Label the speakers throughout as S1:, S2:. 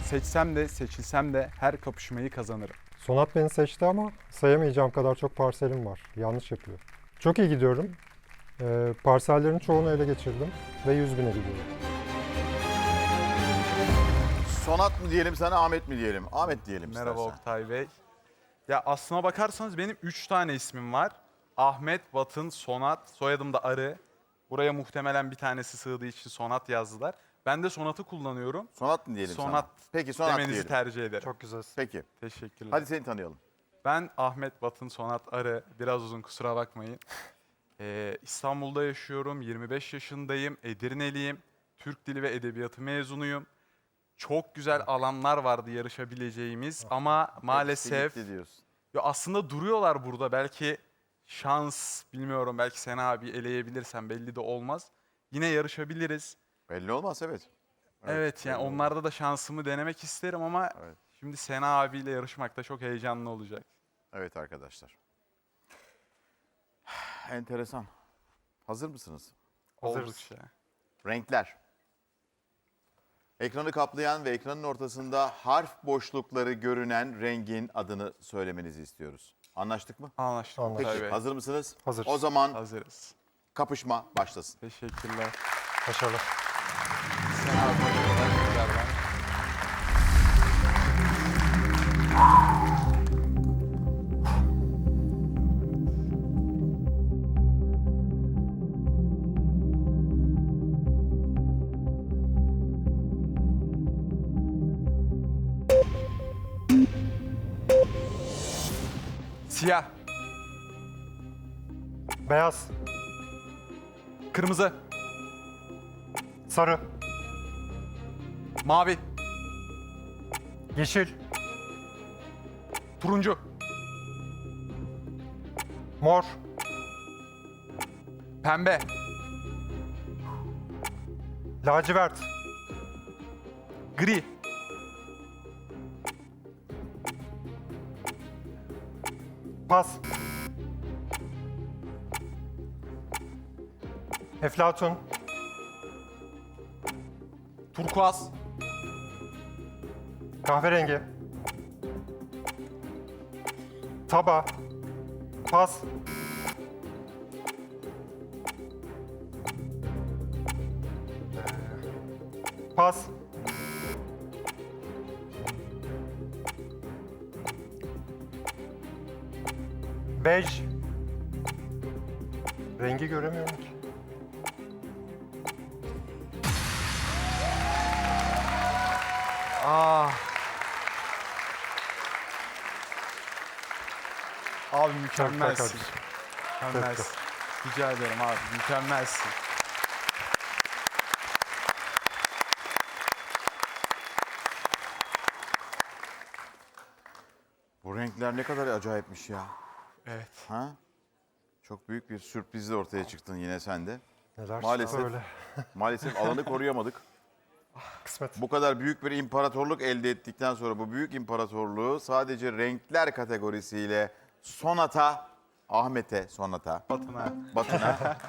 S1: Seçsem de seçilsem de her kapışmayı kazanırım.
S2: Sonat beni seçti ama sayamayacağım kadar çok parselim var. Yanlış yapıyor. Çok iyi gidiyorum. Parsellerin çoğunu ele geçirdim ve 100.000'e gidiyorum.
S3: Sonat mı diyelim sana, Ahmet mi diyelim? Ahmet diyelim
S1: Merhaba
S3: istersen.
S1: Oktay Bey. Ya aslına bakarsanız benim 3 tane ismim var. Ahmet, Batın, Sonat, soyadım da Arı. Buraya muhtemelen bir tanesi sığdığı için Sonat yazdılar. Ben de Sonat'ı kullanıyorum.
S3: Sonat mı diyelim
S1: Sonat
S3: sana? Peki Sonat
S1: demenizi
S3: diyelim.
S1: tercih ederim.
S2: Çok güzelsin.
S3: Peki.
S1: Teşekkürler.
S3: Hadi seni tanıyalım.
S1: Ben Ahmet, Batın, Sonat, Arı. Biraz uzun, kusura bakmayın. İstanbul'da yaşıyorum. 25 yaşındayım. Edirneliyim. Türk Dili ve Edebiyatı mezunuyum. Çok güzel alanlar vardı yarışabileceğimiz ama maalesef
S3: Hepsi gitti diyorsun.
S1: ya aslında duruyorlar burada. Belki şans, bilmiyorum, belki Sena abi eleyebilirsem belli de olmaz. Yine yarışabiliriz.
S3: Belli olmaz, evet.
S1: Evet, yani
S3: belli olmaz.
S1: onlarda da şansımı denemek isterim ama
S3: Evet.
S1: şimdi Sena abiyle yarışmak da çok heyecanlı olacak.
S3: Evet arkadaşlar. Enteresan. Hazır mısınız?
S2: Hazırız.
S1: Oldukça.
S3: Renkler. Ekranı kaplayan ve ekranın ortasında harf boşlukları görünen rengin adını söylemenizi istiyoruz. Anlaştık mı?
S1: Anlaştık.
S2: Anlaştık.
S1: Oktay
S3: Peki,
S1: Bey.
S3: hazır mısınız?
S2: Hazırız.
S3: O zaman
S1: Hazırız.
S3: kapışma başlasın.
S1: Teşekkürler.
S2: Başarılı.
S1: Sena abi başarılar tekrardan. Siyah,
S2: Beyaz,
S1: kırmızı,
S2: sarı,
S1: mavi,
S2: yeşil,
S1: turuncu,
S2: mor,
S1: pembe,
S2: lacivert,
S1: gri,
S2: pas, eflatun,
S1: turkuaz,
S2: kahverengi, taba, pas, pas, bej, rengi göremiyorum ki.
S1: Ah. Abi mükemmelsin.
S2: kardeşim.
S1: Mükemmelsin. Rica ederim abi, mükemmelsin.
S3: Bu renkler ne kadar acayipmiş ya.
S1: Evet.
S3: Ha? Çok büyük bir sürprizle ortaya çıktın yine sen de.
S2: Neler
S3: Maalesef.
S2: öyle.
S3: Maalesef alanı koruyamadık.
S2: Kısmet.
S3: Bu kadar büyük bir imparatorluk elde ettikten sonra bu büyük imparatorluğu sadece renkler kategorisiyle Sonat'a, Ahmet'e, Sonat'a,
S1: Batına.
S3: Batın'a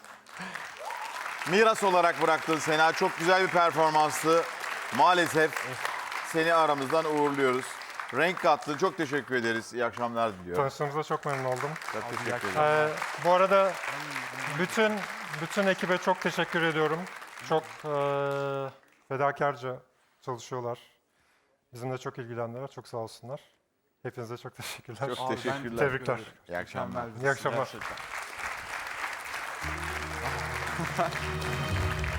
S3: miras olarak bıraktın Sena. Çok güzel bir performanstı. Maalesef seni aramızdan uğurluyoruz. Renk kattın. Çok teşekkür ederiz. İyi akşamlar diliyorum.
S2: Tanıştığımıza çok memnun oldum.
S3: Çok
S1: Abi,
S3: teşekkür
S1: iyi
S3: ederim.
S2: Bu arada bütün ekibe çok teşekkür ediyorum. Çok fedakarca çalışıyorlar. Bizimle çok ilgilendiler. Çok sağ olsunlar. Hepinize çok teşekkürler.
S3: Çok
S1: Abi, ben
S3: teşekkürler.
S2: Tebrikler.
S1: teşekkür ederim.
S3: İyi akşamlar.
S1: Mükemmeldin
S2: İyi akşamlar.
S1: gerçekten.